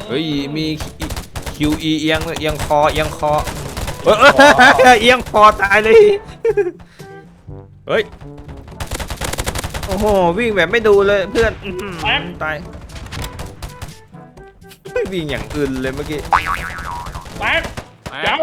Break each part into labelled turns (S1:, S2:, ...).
S1: เฮ้ยมี QE เอียงคอเอียงคอเอียงคอตายเลยเฮ้ยโอ้โหวิ่งแบบไม่ดูเลยเพื่อนตายวิ่งอย่างอื่นเลยเมื่อกี้
S2: แตกเจ้า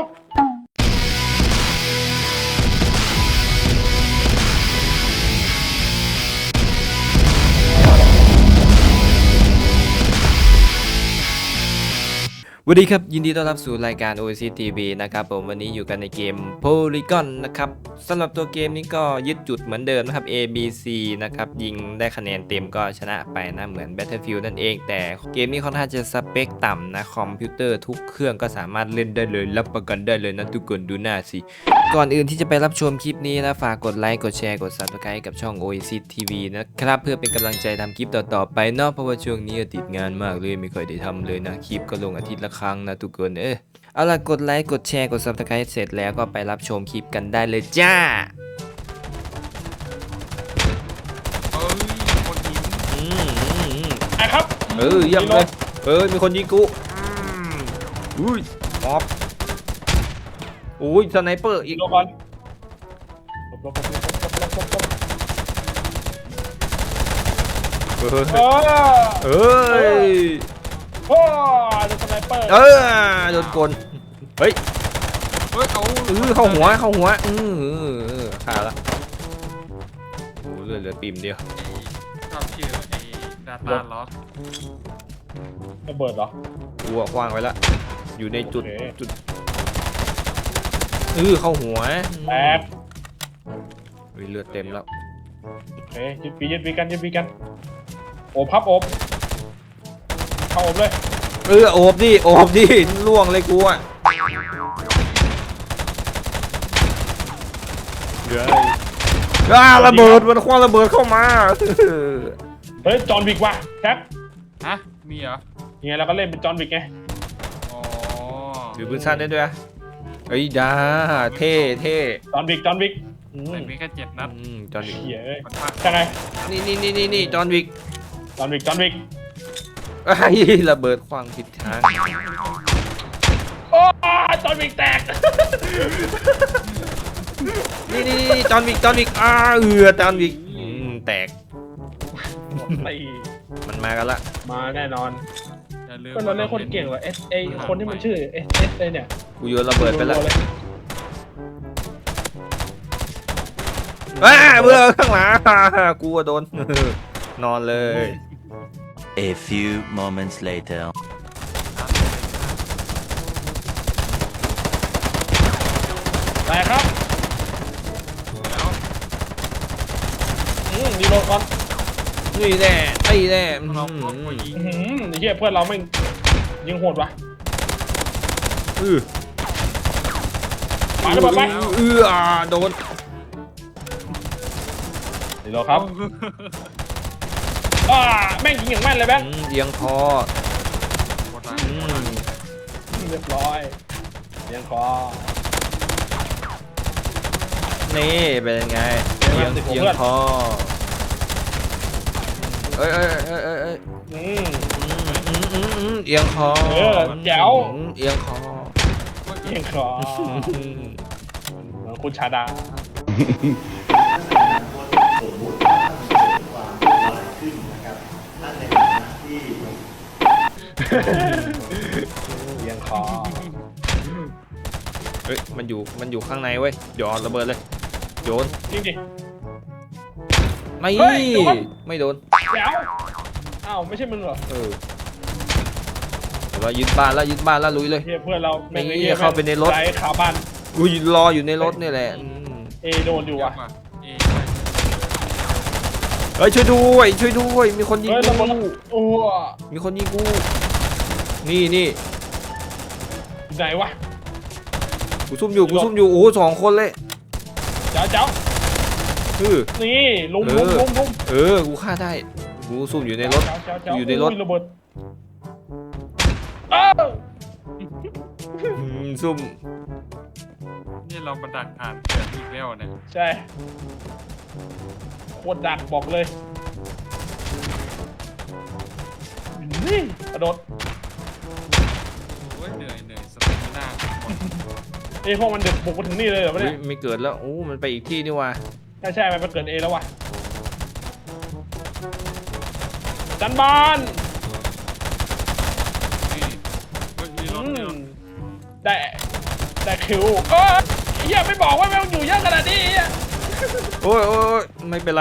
S1: สวัสดีครับยินดีต้อนรับสู่รายการ OASIS TV นะครับผมวันนี้อยู่กันในเกม Polygon นะครับสำหรับตัวเกมนี้ก็ยึดจุดเหมือนเดิมนะครับ A B C นะครับยิงได้คะแนนเต็มก็ชนะไปนะเหมือน Battlefield นั่นเองแต่เกมนี้ค่อนข้างจะสเปคต่ำนะคอมพิวเตอร์ทุกเครื่องก็สามารถเล่นได้เลยรับประกันได้เลยนะทุกคนดูหน้าสิก่อนอื่นที่จะไปรับชมคลิปนี้นะฝากกดไลค์กดแชร์กด Subscribe กับช่อง OASIS TV นะครับเพื่อเป็นกำลังใจทำคลิปต่อๆไปเนาะเพราะว่าช่วงนี้ติดงานมากเลยไม่ค่อยได้ทำเลยนะคลิปก็ลงอาทิตย์ละครั้งนะทุกคนเอาล่ะกดไลค์กดแชร์กด Subscribe เสร็จแล้วก็ไปรับชมคลิปกันได้เลยจ้า
S2: คนยิงครับ
S1: เยี่ยมเลยมีคนยิงกูอุ้ยมอบอุ้ยสไนเปอร์อีก
S2: ลงก่อน
S1: เฮ้ยโ
S2: อ้โดนสไนเปอร์
S1: โดนกลเฮ้ยเข้าหัวขาละโอ้เหลือปิ่มเดียว
S3: ชอบชื่อไอ้ดาต้าล็อก
S2: ระเบิดเหรอ
S1: กูคว้างไว้ละอยู่ในจุดเข้าหัว
S2: แตก
S1: เลือดเต็มแล้ว
S2: ยึดปีกันโอบพับโอบเข้าโอบเลย
S1: โอบดิล่วงเลยกูอ่ะระเบิดมันคว้างระเบิดเข้ามา
S2: เฮ้ยจอห์นวิกว่ะแท็ก
S3: ฮะมีเหรอ
S2: ยังไงเราก็เล่นเป็นจอห์นวิกไง
S3: อ๋อ
S1: ถือปืนสั้นได้ด้วยเฮ้ยดาเท่
S2: จอห์นวิก
S3: แต่มีแค่7 นัด
S1: จอห์นวิก
S2: ใช่ไง
S1: นี่จอห์นวิกระเบิดคว้างผิดทาง
S2: โอ้จอห์นวิกแตก
S1: นี่จอห์นวิกจอห์นวิกแตกมันมากันละ
S2: มาแน่นอนก็เราเล่นคนเก่งว่ะคนที่มันชื่อเลยเนี่ย
S1: กูโยนระเบิดไปแล้วเบื่อข้างหลังกูโดนนอนเลย
S4: A few moments later
S2: ไปครับมีโลก่อน
S1: นี่แน่ไอ้แน่
S2: เฮียเพื่อนเราไม่ยิงโหดวะมาแล้วไป
S1: โดน
S2: นี่โลครับแม่งยิงอย่างแม่นเลยแบงค์
S1: เอียงคอ
S2: เรียบร้อยเอียงคอ
S1: นี่เป็นไงเอียงคอเอียงคอ
S2: แจ๋ว
S1: เอียงคอ
S2: เหมือนคุณชาดาเอียงคอ
S1: มันอยู่ข้างในเว้ยโยนระเบิดเลยโยน
S2: จริงดิ
S1: ไม่โดน
S2: แจ๋วอ้าวไม่ใช่มึงเหรอ
S1: เรายึดบ้านแล้วลุยเลย
S2: เพื่อนเรา
S1: ไม่เข้าไปในรถ
S2: ไร้ขาบ้าน
S1: กูรออยู่ในรถนี่แหละ
S2: โดนอยู่ว่ะ
S1: ช่วยด้วยมีคนยิงกูมีคนยิงกูนี่
S2: ไหนวะ
S1: กูซุ่มอยู่โอ้2 คนเลย
S2: เจ้านี่ลุม
S1: กูฆ่าได้กูซุ่มอยู่ในรถอยู่ในรถ
S2: ระเบิด
S1: ซุ่ม
S3: นี่เรามาดักอ่านเกิดอีกแล้วเนี่ย
S2: ใช่โคตรดักบอกเลยนี่กระโดด
S3: ว้ยเหนื่อยสเตมิน่าหมด
S2: ไอ้พวกมันเดือดบุกมาถึงนี่เลยเหรอวะ
S1: เฮ้
S2: เนี่ย ย
S1: ไม่เกิดแล้วโอ้มันไปอีกที่นี่ว่ะ
S2: ใช่มันไปเกิดเอแล้วว่ะจันบาน
S3: นี่เฮ้ยมีรถมีรถ
S2: ได้คิวเฮียไม่บอกว่าแม่งอยู่เยอะขนาดนี้
S1: โอ้ยไม่เป็นไร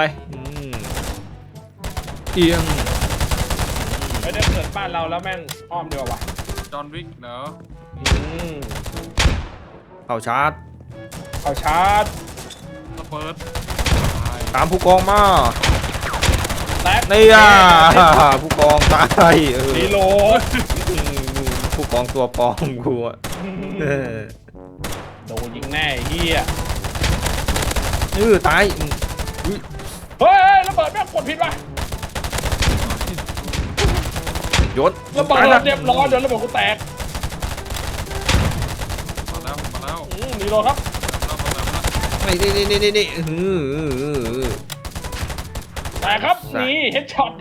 S1: เอียง
S2: ไม่ได้เกิดบ้านเราแล้วแม่งอ้อมดีกว่าว่ะ
S3: จอห์นวิกเนอะ
S1: เข้าชาร์จ
S2: เขาชาร์จ
S3: สเปิร์ต
S1: ตามผู้กองมา
S2: แตก
S1: นี่อ่ะผู้กองตาย
S2: รีโหลด
S1: ผู้กองตัวปลอมกูอ่ะ
S2: โดนยิงแน่เฮีย
S1: ตาย
S2: เฮ้ยระเบิดแม่งกดผิดว่ะ
S1: ยศ
S2: ระเบิดเรียบร้อยเดี๋ยวระเบิดกูแตก
S3: มาแล้ว
S2: รีโหลดครับ
S1: นี่
S2: แตกครับนี่เฮดช็อต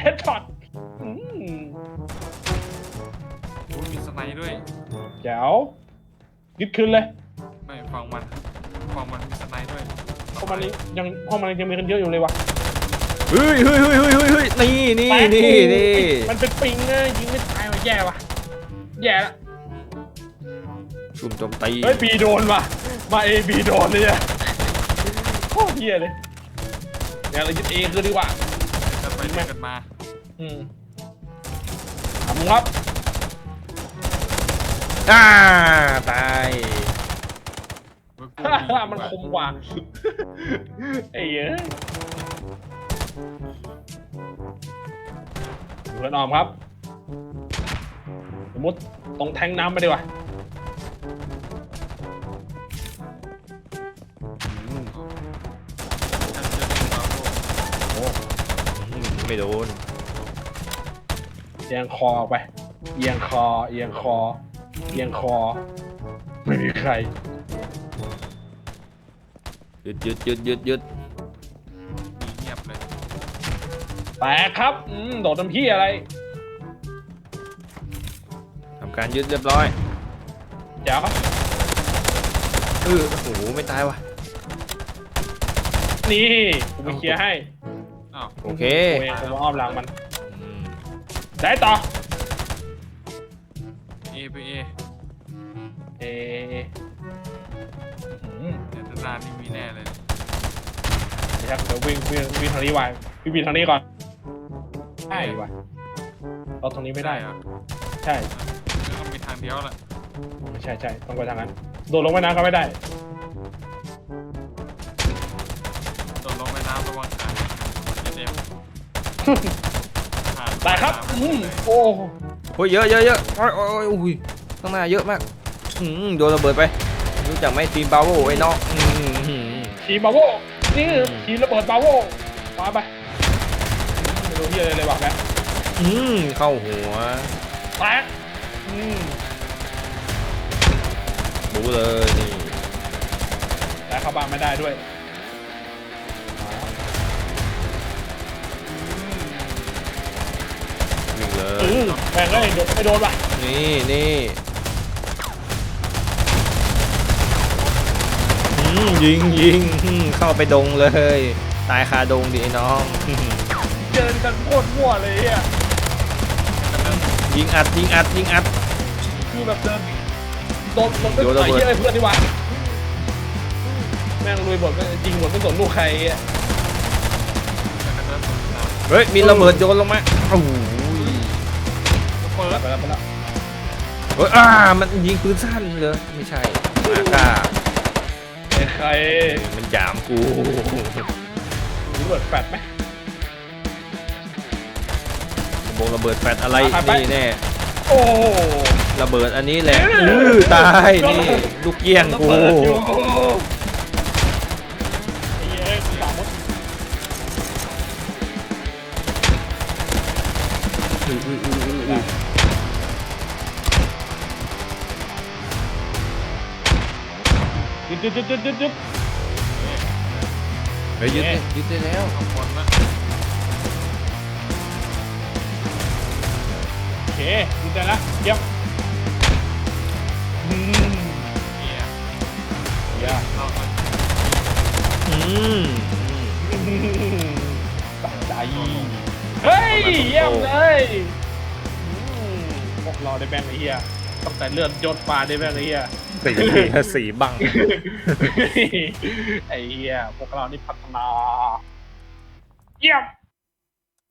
S3: มีสไนด้วย
S2: แจ๋วยึดคืนเลย
S3: ไม่ฟังมันมีสไนด้วย
S2: เพราะมันยังมีกันเยอะอยู่เลยว่ะ
S1: เฮ้ยนี่
S2: มันเป็นปิงนะยิงไม่ตายว่ะแย่ว่ะแย่ละ
S1: ชุมโจมตี
S2: เฮ้ยบีโดนว่ะมาเอบีโดนเลยอะโคตรเฮียเลยเดี๋ยวเรายึดเอคืนดีกว่า
S3: จะไปด้วยกันมา
S2: ทำครับ
S1: ตาย
S2: มันคมกว่าไอ้เหี้ยเพื่อนออมครับสมมติตรงแทงน้ำไปดีกว่า
S1: ไม่โดน
S2: เอียงคอออกไปเอียงคอไม่มีใคร
S1: หยุด
S3: เงียบเลย
S2: แตกครับโดดน้ำพี่อะไร
S1: ทำการยึดเรียบร้อย
S2: เดี๋ยวครับ
S1: โอ้โหไม่ตายว่ะ
S2: นี่กูไปเคลียร์ให้
S3: อ้าว
S1: โอเค
S2: กูเองกูมาอ้อมหลังมันได้ต่อ
S3: เอไปเอ
S2: เอ
S3: เดี๋ยวด้านนี้มีแน่เลย
S2: ครับเดี๋ยววิ่งทางนี้ไว้วิ่งทางนี้ก่อนใช่ว่ะเราตรงนี้ไม่ได้
S3: เหรอ
S2: ใช่
S3: แล้วก็มีทางเดียวแหละ
S2: ใช่ต้องไปทางนั้นโดดลงไปน้ำก็ไม่ได้
S3: โดนลงในน้ำระวังขาเจ็บ
S2: ได้ครับโอ้
S1: โอ้ยเยอะโอ้ยอุ้ยข้างหน้าเยอะมากโดนระเบิดไปรู้จักไหมทีมบาโวไอ้น้อง
S2: ทีมบาโวนี่ทีมระเบิดบาโวมาไปไม่รู้ที่อะไรเลยว่ะแม่
S1: เข้าหัว
S2: แตก
S1: รู้เลยนี่
S2: แต่เข้าบ้านไม่ได้ด้วย
S1: วิ่งเลย
S2: แม่งเลยไม่โดนว่ะ
S1: นี่ยิงเข้าไปดงเลย ตายคาดงดิไอ้น้อง
S2: เดินกันโคตรมั่วเลยอ่ะ
S1: ยิงอัด
S2: คือแบบเดินโดนไปต่อยเยอะเพื่อนดีกว่าแม่งลุยหมดจริงหมดไม่สนลูกใครอ่ะ
S1: เฮ้ยมีระเบิดโยนลงมาโอ้โห
S3: เปิด
S2: ไปแล้ว
S1: เฮ้ยมันยิงปืนสั้นเลยไม่ใช่มาก้า
S2: ใคร
S1: มันหยามกู
S2: ระเบิดแฟดไหม
S1: ระเบิดแฟดอะไรนี่แน่
S2: โอ้
S1: ระเบิดอันนี้แหละตายนี่ลูกเกี้ยงกู
S2: สามมดยึด
S1: เฮ้ยยึดได้แล้ว
S3: ขอบคุณนะ
S2: โอเคยึดได้แล้วเยี่ยมอืม
S3: เนี่ย
S2: เหี้ย
S3: เราก็
S1: อืม
S2: ตัดใจเฮ้ยเยี่ยมเลยพวกเราได้แม่งไอ้เหี้ยตั้งแต่เลือดยศฟ้าได้แม่งไอ้เหี้ย
S1: สีบัง
S2: ไอ้เหี้ยพวกเรานี่พัฒนาเยี่ยม